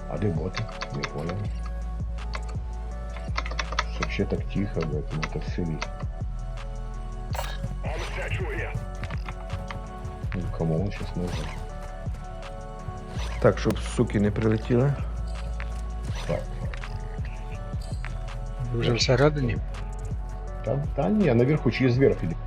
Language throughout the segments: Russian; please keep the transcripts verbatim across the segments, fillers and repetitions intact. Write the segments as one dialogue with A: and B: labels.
A: А где боты? Не понял. Вообще так тихо, блядь, ну это в селе. Ну, кому он сейчас нужен?
B: Так, щоб суки не прилетіли.
A: Так.
C: Ви вже всередині?
A: Да, да не, наверху через верх иди.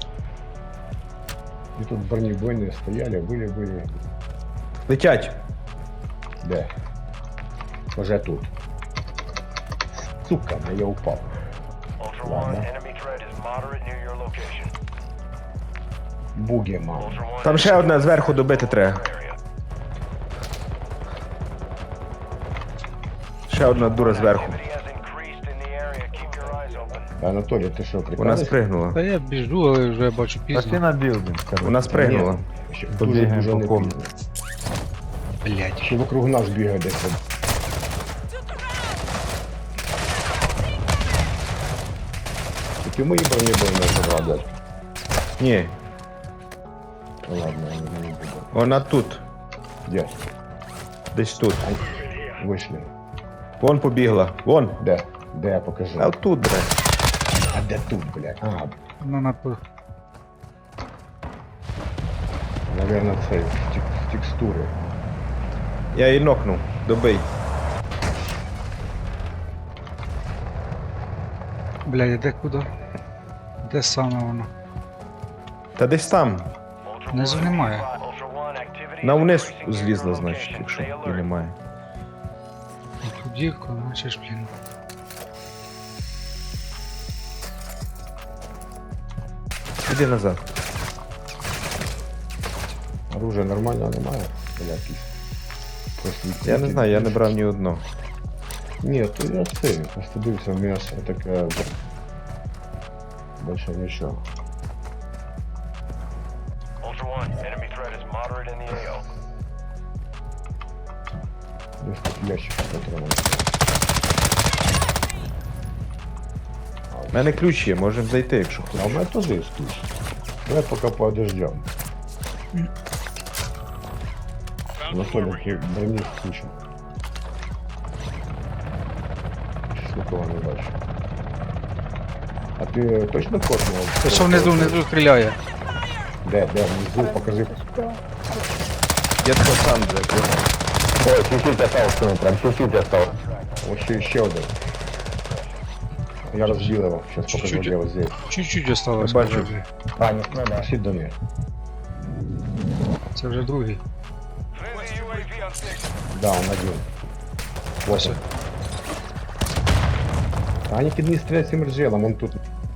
A: И тут бронебойные стояли, были, были.
B: Летять!
A: Да. Уже тут. Сука, ну я упал. Ладно. Буги, мам.
B: Там ще одне зверху добити треба. Ще одна дура зверху.
A: Анатолий, ты что,
B: Вона
A: прикалываешься?
B: спригнула.
C: Та я біжу, але вже бачу
D: Пошли
C: пізно.
D: на билдинг, короче.
B: Вона спригнула.
A: Нет, еще
D: Побегаем
A: дуже,
D: по
A: дуже
D: комнате.
A: неприятно.
C: Блять.
A: Еще вокруг нас бегает десь. Таки мої бронебойные забрал, блядь.
B: Ні,
A: Ну ладно, я не, не буду.
B: вона тут.
A: Где?
B: Десь тут.
A: Вышли.
B: Вон побігла. Вон.
A: Де? Де я покажу?
B: А тут, блядь.
A: А де тут, блядь? А,
C: Ну, напи...
A: наверное, це з тек- з текстури.
B: Я її нокнув. Добий.
C: Блядь, де куди? Де саме воно?
B: Та десь там.
C: Внизу немає.
B: На вниз злізла, значить, якщо її немає.
C: Тоді, короче ж, блін.
B: Іди назад.
A: Оружия нормального немає? Блядь, просто
B: Я не знаю, я не брав ні одного.
A: Ні, то я це, просто дивився в м'ясо, таке... Більше нічого. Десь тут ящик патронів.
B: У мене ключ є, можемо зайти, якщо
A: А
B: хочеш.
A: у меня тоже есть ключ. Давай пока подождем. Анатолий, брони включим. Сейчас никого не бачу. А ты точно космол?
C: Та що внизу, внизу стріляє?
A: Да, да, внизу покажи.
B: Я тебе сам закрив.
A: Ой, чуть-чуть остался, ну, прям чуть-чуть осталось. Еще, еще один. Я разбил его, сейчас покажу,
C: Чуть-чуть.
A: где вот здесь.
C: Чуть-чуть осталось.
B: Я бачу.
C: вже.
A: А, нет, ну да. Пошли до меня.
C: Це вже другий.
A: Да, он один. Вот он. А они кидни стрелять с имерджелом, он тут.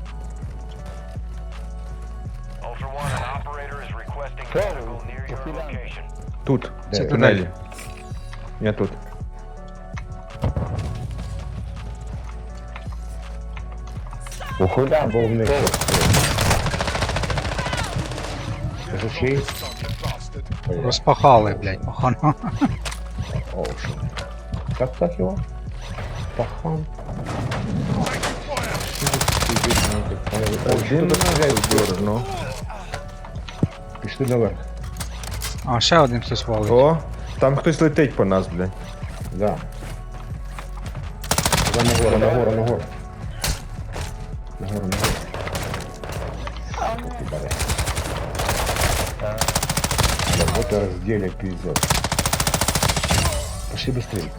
B: Тут.
A: Це
B: В тунелі. Я тут.
A: Ухода, бо в них. Жучий.
C: Розпахали, блядь, пахано.
A: Оу, шо. Как так его? Пахан.
B: Один на ну.
A: Пішли наверх.
C: А, ще один хтось валить.
B: О, там хтось летить по нас, блядь.
A: Да. Да, нагору, нагору, нагору. Нагору, нагору. Как ты баря. Работа разделя пиздец. Пошли быстрее.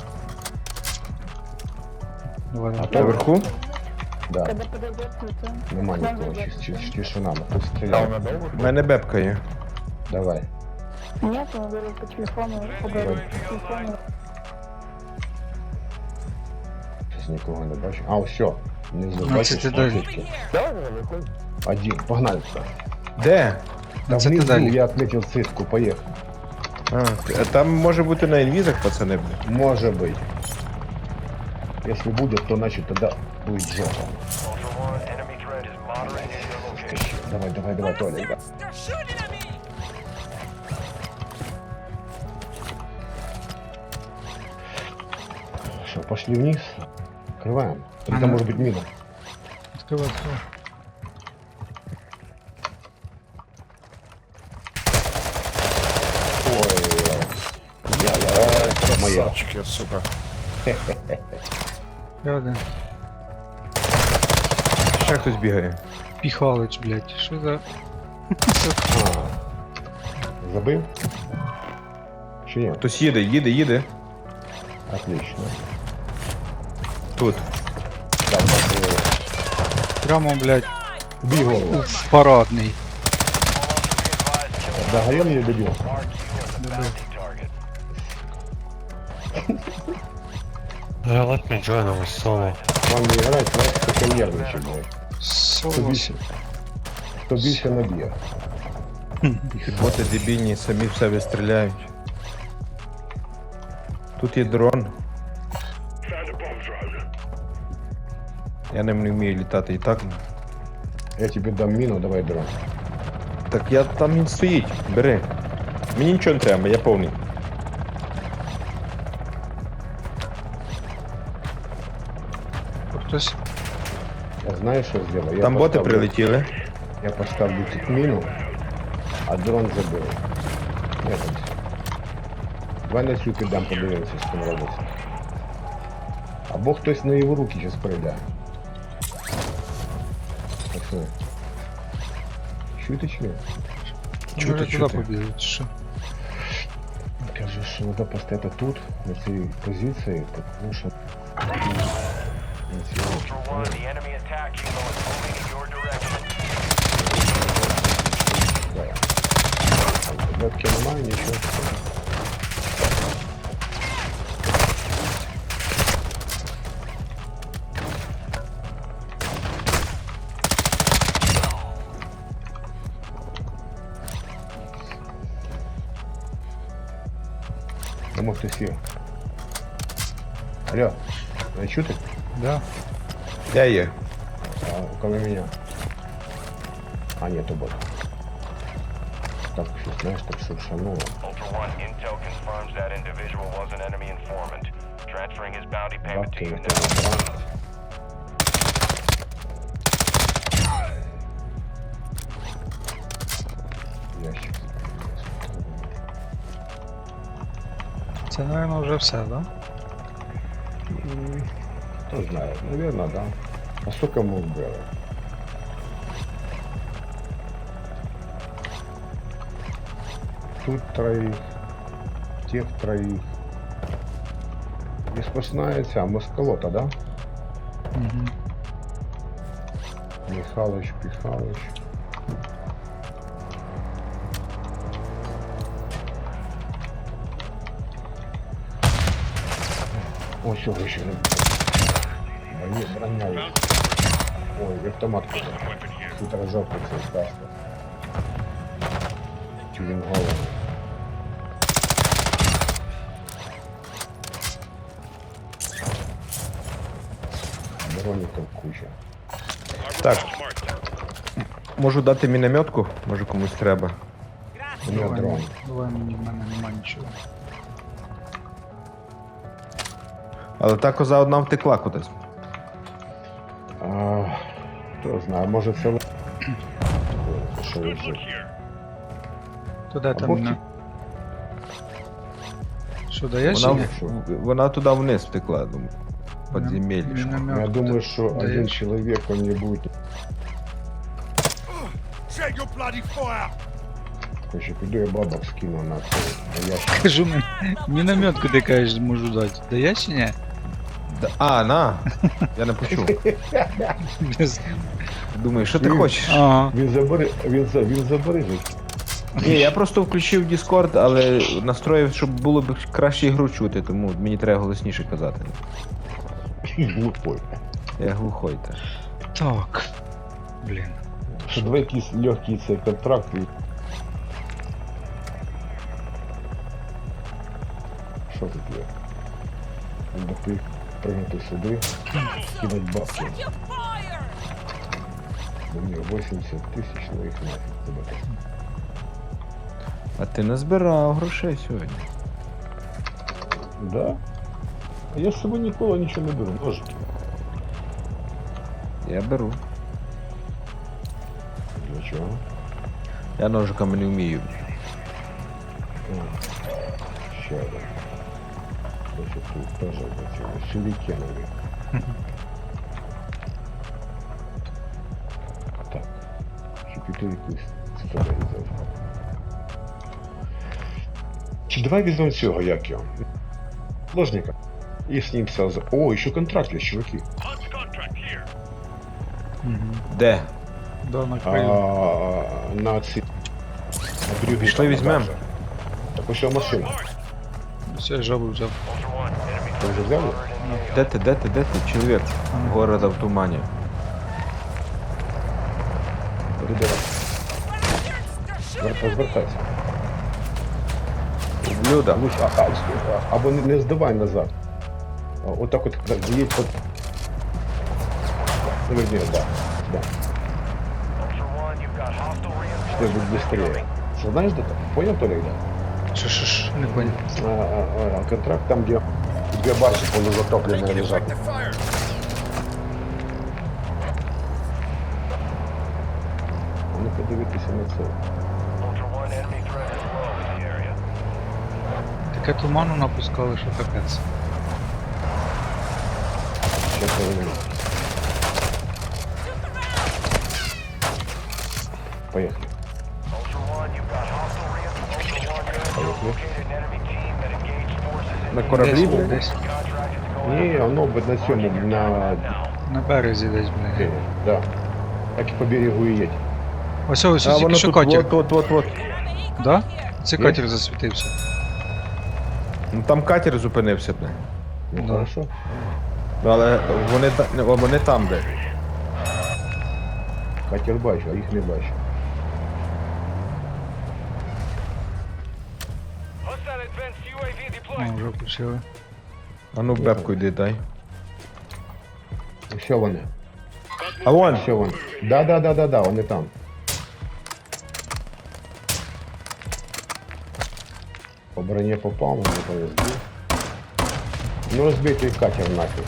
C: Давай,
A: А
C: давай.
A: то
B: Наверху?
A: Да,
E: Когда подойдет, то
A: нема никого, чис- чис- тишина, мы тут стреляем.
B: У мене бебка є.
A: Давай.
E: нет, он говорит по телефону, поговорит по телефону.
A: Сейчас никого не бачу. А, все. Внизу
C: Ну,
A: бачиш,
C: це ти далі.
A: тільки. Один, погнали.
B: Де?
A: Да
C: Це ти
A: внизу
C: далі.
A: я отметил цифку, поехали.
B: А, а там може бути на інвізах, пацани, блядь.
A: Может быть. Если будет, то значит тогда будет жопа. Давай, давай, давай, Толя, да. Что, пошли вниз? Открываем. Или
C: Ага.
A: там может быть мина?
C: Відкривай, відкривай.
A: Ой, я, я, моя
B: Красавчики, сука.
C: Я один.
B: Ще хтось бігає.
C: Піхалич, блядь. Що за...
A: А, забив? Чи ні?
B: Хтось їде, їде, їде.
A: Отлично.
B: Тут.
A: Так, так,
C: Прямо, блядь,
A: бій голову.
C: в парадний.
A: Догорел или добил?
D: Yeah, let me join our solo.
A: Вам не играть, знаете, только нервничать, блядь. Хто
C: Соло.
A: більше, хто більше наб'є.
B: Боти дебільні, самі в себе стріляють. Тут є дрон. Я ним не вмію літати і так.
A: Я тебе дам міну, давай дрон.
B: Так я там він стоїть, бери. Мені нічого не треба, я повний.
C: Хтось.
A: Я знаю, що зроблю. Я
B: Там боти
A: поставлю-
B: прилетіли.
A: Я поставлю тут міну, а дрон заберу. Я там все. Давай на цю піддам, подивимося, що там робиться. Або хтось на його руки зараз прийде. Так що? Чуєте чи ні?
B: Чути,
C: Може туди
B: чути.
C: побігли, чи що?
A: Кажу, що треба поставити тут, на цій позиції, тому що... На цій
F: Ultra One, the enemy attack helo is moving in your direction.
A: Бетки немає, нічого. Тому хтось є. Алло, не чути?
C: Да.
B: Я є.
A: А, кроме меня. А, нет, бот. Так, что, знаешь, так шуршануло.
F: Ultra One, intel confirms that individual was an enemy informant. Transferring his bounty payment to
A: Бабки,
F: you
A: это
F: now.
A: брат. Ящик.
C: Це, мабуть, вже все, да?
A: М, Кто знает, наверное, да. А сколько мы убрали? Тут троих, тех троих. Не сплошная ця москалота, да?
C: Угу.
A: Михалыч, Пихалыч. Ой, все, еще не... Броня, броня есть. Ой, автомат куда. Тут разжопный все Тюринговый. Броников куча.
B: Так. Можу дати мінометку, може комусь треба.
A: У меня
C: Давай,
A: дрон.
C: давай, мені в мене нема нічого.
B: Але та коза одна втекла кудись.
A: А, кто знает, может все... Что лежит?
C: То де
A: А
C: там
A: бовки?
C: на... Що, даєш
B: Вона,
C: чи ні?
B: в- вона туди вниз втекла, думаю. Подземелье.
C: Міномет
A: Я думаю, что один
C: даєш?
A: человек, он не будет... Короче, пойду я бабок скину на це. На ящик.
C: Кажу, мен- мінометку ти кажеш, можу дати. Даєш чи ні?
B: Да- А, на! Я не почув.
C: Без-
B: Думаю, що ти
A: Ні.
B: хочеш?
C: Ага.
A: Він забери, він, за, він забережить.
B: Ні, я просто включив Discord, але настроїв, щоб було б краще ігру чути, тому мені треба голосніше казати.
A: Глупой.
B: Я глухой так.
C: Так. Блін.
A: Що давай якийсь легкий цей контракт. І... Що тут є? Треба ти пригнути сюди, кинуть бабки. Бо мені вісімдесят тисяч, ну їх нафіг тебе.
B: А ти не збирав грошей сьогодні.
A: Да? А я з собою ніколи нічого не беру. Ножики.
B: Я беру.
A: Для чого?
B: Я ножиками не вмію.
A: О, ще один. Значит, тут тоже эти сюрикеновые. Так. Чотири цитаделі зараз. Чи давай візьмемо цього, як його? Ложника. І з ним все за... О, ще контракт є, чуваки.
C: Мгм.
B: Де?
C: Да, на
A: А,
C: краю.
A: на ці... На брюгі.
B: Пішли візьмем.
A: Так ось його машина.
C: Все, жабу взяв.
F: Ultra One, enemy
A: Ти вже взяли?
B: Де ти, де ти, де ти, чоловік? Города в тумані.
A: Передавай. Звер- Розвертайся.
B: Блюда.
A: Луч, а, а, а, або не, не здавай назад. А, отак от їдь по... Поверни, да. Да.
F: Ultra One, you've got hostile
A: Что будет
F: reinforcements
A: быстрее.
F: incoming.
A: Что, знаешь, это? Понял, Толик, да?
C: Що, що, що, не понял.
A: А, а, а, контракт там, где две баржи полузатопленные лежат. А ну подивитися на це.
F: Ultra One, enemy threat is low in the area.
C: Таке туману напускали, що капець.
A: Сейчас повернем. Поехали.
F: Ultra One, you've got hostile reinforcements. Ultra One, you have
A: Поехали.
F: located an enemy team that engaged forces in
B: На
F: the
B: кораблі,
C: Десь,
B: блядь?
C: десь.
F: contracted to go
A: Не, оно бы на цьому, на...
F: now.
C: На березі десь, блядь.
A: Е, да. Так і по берегу і їдь.
C: Ось ось
B: А
C: тільки
B: воно
C: що
B: тут,
C: катер.
B: от, от, от, от.
C: Да? Це
A: Є?
C: катер засвітився.
B: Ну там катер зупинився, бля.
A: Ну,
C: Да.
A: хорошо.
B: Але вони, та- не, вони там, де.
A: Катер бачу, а їх не бачу.
F: Hostile advanced U A V deployed.
C: О, вже почали.
B: А ну бебку йди дай.
A: Що вони?
B: А вон!
A: Що вони? Да, да, да, да, да, вони там. По броне попал, но не повезло. Ну разбитый катер нафиг.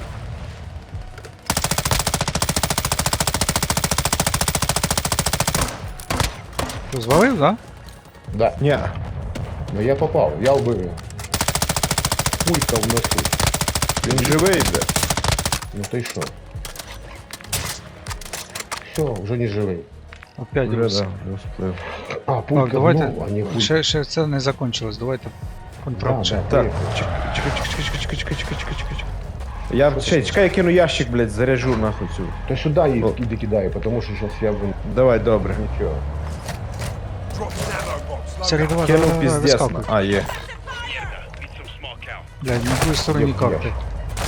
C: Що, звалив, да?
A: Да,
B: Ні.
A: но я попал, я убил его. Пулька в носу.
B: Він живий, бля.
A: Ну ты что? Все, уже не живый.
C: Опять
B: Вже,
C: роз...
B: да, розплив.
A: А, пулька
C: Так, давайте.
A: в ногу, а не пулька.
C: Ще, ще це не закончилось, давайте
A: Да,
C: контракт. ще.
A: да,
B: Так,
A: поехали.
B: чекай, чекай, чекай, чекай, чекай, чекай, чекай, чекай, чекай. Я, чекай, чекай, я кину ящик, блядь, заряжу нахуй цю.
A: То сюда и
B: О.
A: иди кидаю, потому что сейчас я вон...
B: Давай, добре.
A: Ничего.
C: Сергій, давай,
B: Кинув
C: давай, давай,
B: піздець.
C: вискакуй.
B: А, є.
C: Блядь, на твоей стороне
A: Ёб
C: карты.
A: ящик.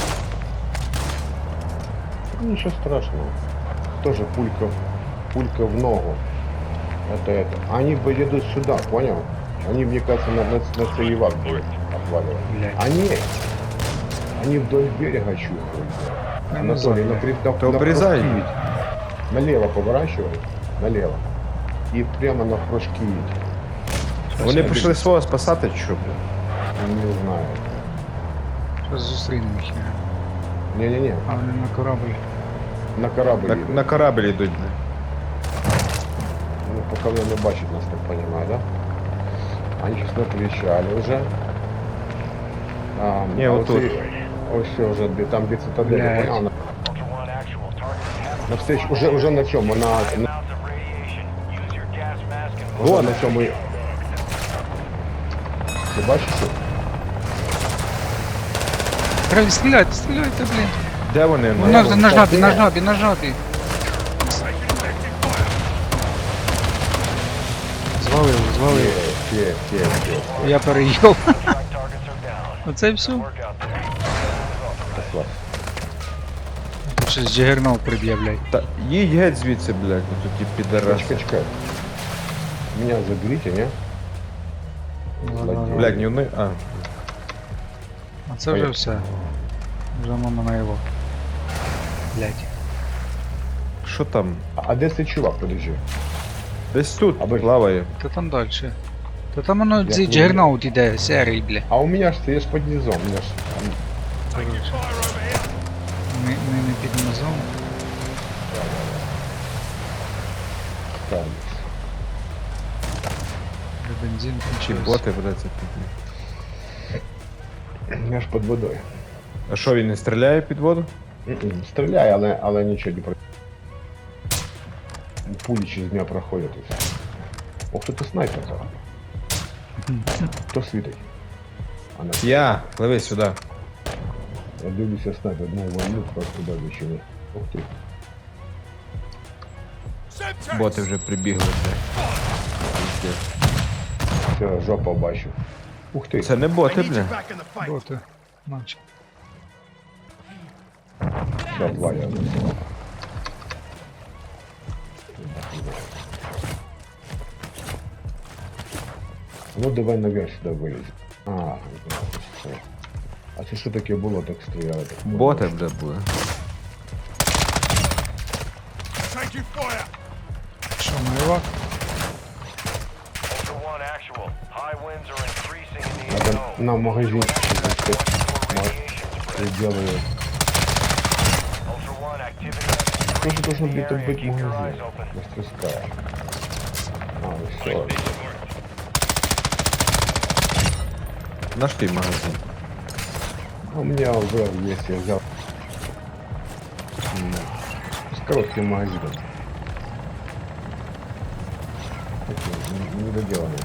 A: Ну, ничего страшного. Тоже пулька, пулька в ногу. Это это. Они поедут сюда, понял? Они, мне кажется, на, на, на целевак будут отваливать.
C: Блядь.
A: Они, они вдоль берега чухают.
C: Я не
A: Анатолий,
C: знаю.
A: на, при- на,
B: То
A: на
B: обрезай.
A: прыжки едь. Налево поворачивай, налево. И прямо на прыжки едь.
B: Вони прийшли свого спасати, чи що, бля?
A: Не знаю.
C: Зараз зустрінемо їх.
A: Не-не-не,
C: А вони на корабль.
A: на корабль
B: На,
A: едут.
B: на корабль йдуть, бля.
A: Ну, пока вы не бачит нас, так понимаю, да? Они сейчас накричали уже. А,
B: Не,
A: а
B: вот тут.
A: и- Ось все уже, где- там где цитадель,
C: Блядь.
A: понял? На,
F: Ultra One, actual target is
A: на встречу, уже, уже на чем? На, на,
F: amounts of radiation. Use your gas mask and
A: вот на чем мы... Ты бачишь? что?
C: Треба стріляти, стріляйте, блін.
B: Де вони?
C: Ну,
B: На,
C: на, на жабі, на жабі, на жабі. Звалив, звалив.
A: Те, те, те, те.
C: Я переїв.
F: strike targets are down.
C: Оце і все.
F: Work out there.
A: Так, ладно.
C: Тут щось джигернал приб'є, блядь.
B: Та, їдь геть звідси, блядь, ну тут ті підараси.
A: Чекай, чекай. Меня заберите, не? Злодей.
B: Блядь, не вони. А,
C: А це вже
A: Поїхали.
C: все. Вже мама на його. Блядь.
B: що там?
A: А, а де цей чувак, подожди?
B: Десь тут
A: Аби-
B: плаває.
C: Та там далі. Та там воно цей
A: не
C: джигернаут іде, серій, бля.
A: А у меня ж ты ж под низом, у меня ж...
C: Ми, ми не під низом.
A: Там.
C: Вже бензин
B: Чи
C: кончився.
B: боти, блядь, це тут.
A: Я ж під водою.
B: А що, він не стріляє під воду?
A: М-м, Стріляє, але, але нічого не про. Пулі через мене проходять і все. Ох, тут і снайпер зараз. Хто світить? А на
B: Я, пливи сюди.
A: я дивлюся снайпер, ну вольну просто туди вичили. Ух ти.
B: Боти вже прибігли. Пиздец.
A: Все, жопа бачу. Ух ти.
B: Це не боти, бля.
C: Боти. Наче.
A: Все, два я засилав. Ну давай наверх сюди виліз. А, ну, все. А це що таке було, так стріляли? Так
B: Боти, бля, були.
C: Що, майвак?
F: Ultra One actual. High winds are increasing in the
A: Надо
F: zone.
A: на магазин
F: For radiation spread.
A: делаю.
F: Ultra One activity has
A: Тоже
F: increased
A: должен
F: in the
A: где-то
F: area.
A: быть
F: Keep your
A: магазин.
F: eyes open.
A: Мастерская. А, ну все.
B: Наш ти магазин.
A: А у меня уже есть, я взял. М, С коротким магазином. Такие, не- недоделанные.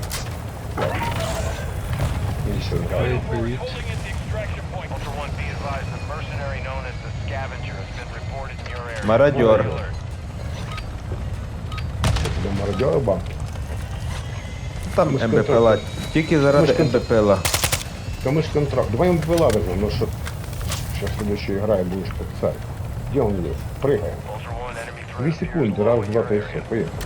A: И еще
C: Привіт, привіт.
F: Holding at the extraction point. Ultra One, be advised, the mercenary known as the Scavenger has been reported in your area.
B: Мародер.
F: Alert.
A: Тебе мародеры банки.
B: Там
A: Ми ж
B: МБПЛа. Тільки заради
A: Ми ж контр-
B: МБПЛа.
A: Да мы ж контракт. Давай ему возьмем, ну что. Сейчас следующая игра и будешь как царь. Где он есть? Прыгаем.
F: Ultra One, enemy threat
A: Две
F: appears
A: секунды,
F: low
A: раз,
F: in
A: два,
F: your
A: то и
F: area.
A: все. Поехали.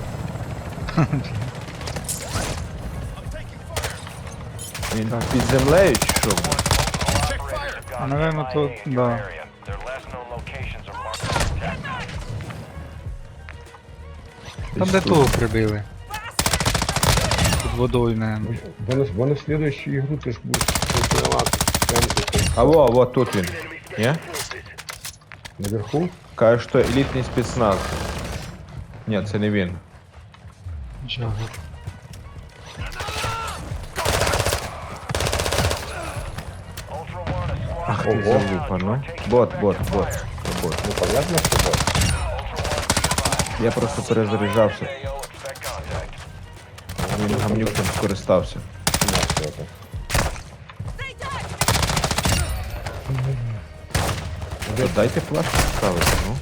B: Він під землею чи що?
F: All operators have gone
C: Наверно,
F: M I A
C: то-
F: in your
C: да.
F: area. Their last known locations are marked on your attack map.
C: Там де того прибили. Під водою, наверное.
A: Вон, вон в следующую игру ты ж будешь тренироваться. Прям тут,
B: А во, во, тут він. Ні?
A: наверху.
B: Каже, що елітний спецназ. Ні, це не він.
C: Джагер.
F: Ultra One, a squad
B: Ах,
F: is
B: ти
A: Ого.
B: залупа, ну. Бот, бот, бот. Це бот.
A: Ну понятно, что да.
B: Я просто перезаряджався.
F: A O, expect contact.
B: Він гамнюком скористався.
A: На все это.
B: То дайте плашку ставити, ну.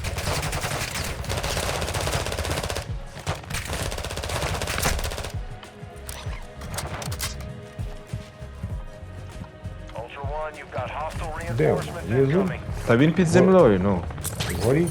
F: Ultra One, you've got hostile
A: Де він?
F: reinforcements
A: Внизу?
F: incoming.
B: Та він під землею, ну.
A: Гори.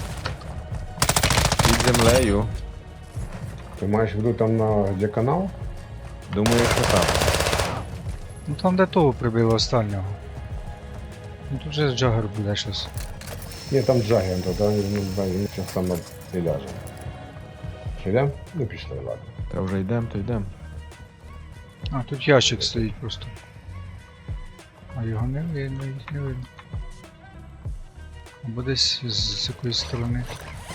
B: Під землею.
A: Ты маешь в виду там на где канал?
B: Думаю, що там.
C: Ну там де того прибили останнього. Ну тут же Джагер буде щось.
A: Нет, там Джаггер, тогда ну, да, він сейчас сам и ляжем. Идем? Ну пішли, ладно.
B: Та вже йдем, то йдем.
C: А тут ящик стоїть просто. А його не видно, їх не видно. Або десь з, з якоїсь сторони.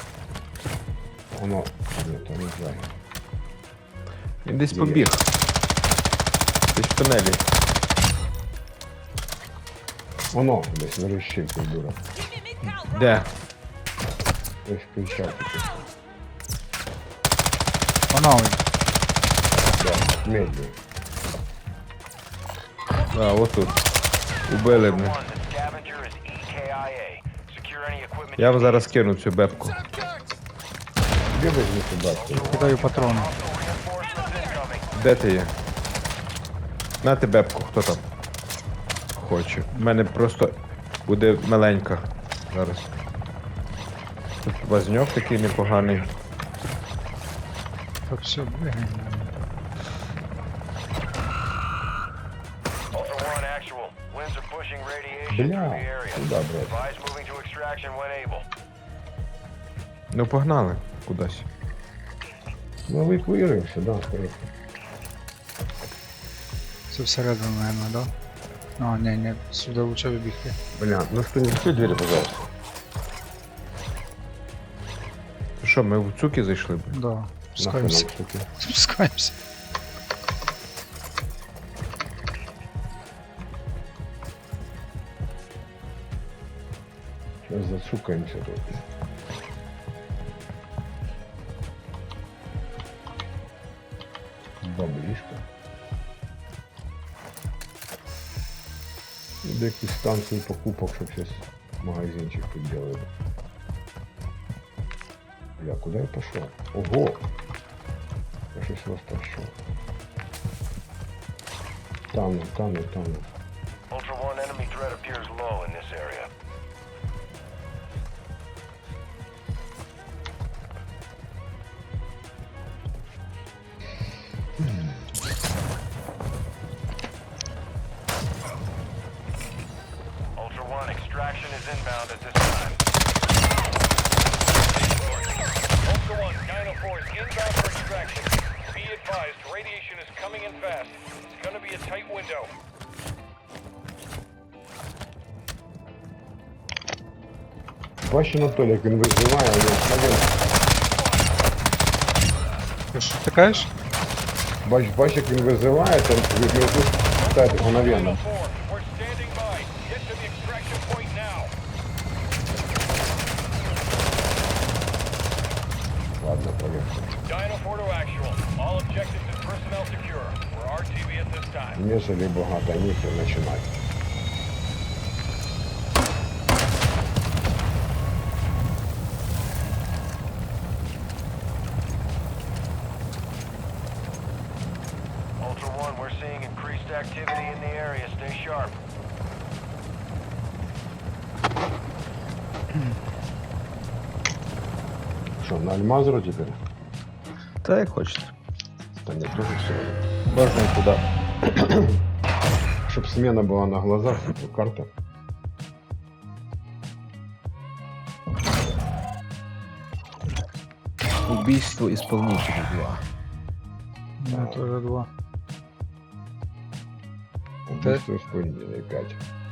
A: Воно. Нет, там не Джаггер.
B: Він десь
A: Є.
B: побіг. Десь в тунелі.
A: Воно, десь верещить, как дура.
B: Де?
A: Десь кричав таки.
C: Вона ой.
A: Да, медленно.
B: А, отут. Убили мене.
F: One, the Scavenger is E K I A. Secure any equipment.
B: Я вам зараз кину цю бебку.
A: Где возьми сюда?
C: Кидаю патрони.
F: Reinforcements incoming.
B: Де ти є? На ти бебку, хто там? Хоче. У мене просто буде маленька зараз. Тут вазньок такий непоганий.
C: Так все, бігаємо.
F: Ultra One, actual. Winds are pushing radiation through
A: Бля,
F: the area.
A: куда, брат?
F: Advise moving to extraction when able.
B: Ну погнали кудись.
A: Ну эвакуируемся, да, скорее.
C: Це всередину, наверное, да? А, ні, ні, сюди лучше вибігти.
A: Бля, ну что, не закрой двери, пожалуйста.
B: Що, ми в цуки зайшли? б?
C: Да,
A: Нахуй
C: спускаємося.
A: нам штуки.
C: Спускаємося.
A: Сейчас зацукаемся тут. Баблишка. До якісь станції покупок, щоб сейчас магазинчик тут делали. Бля, куда я пошел? Ого! Я щось розтащив. Тану, тану, тану.
F: Ultra One, enemy threat appears low in this area. Ultra One, extraction is inbound at this time. Ultra One, nine oh four is inbound for extraction. Be advised, radiation is coming in fast. It's gonna be a tight window.
A: Бачиш, Анатолій, як він виживає, а він
C: Ти що ти кажеш?
A: бач, бач, як він визиває, то ви тут ставите мгновенно.
F: nine oh four, we're standing by. Get to the extraction point now.
A: Ладно, поверху.
F: nine oh four to actual. All objectives and personnel secure. We're R T B at this time.
A: Нежели багато ніхер починати.
F: Ultra One, we're seeing increased activity in the area. Stay sharp.
A: Що, на Альмазру тепер?
B: Та як хочете.
A: Та не дуже все.
B: Можна і туди.
A: Щоб смена була на глазах, типу, карта.
B: Убийство исполнителя два.
C: Ну, теж два.
A: Убийство исполнителя п'ять.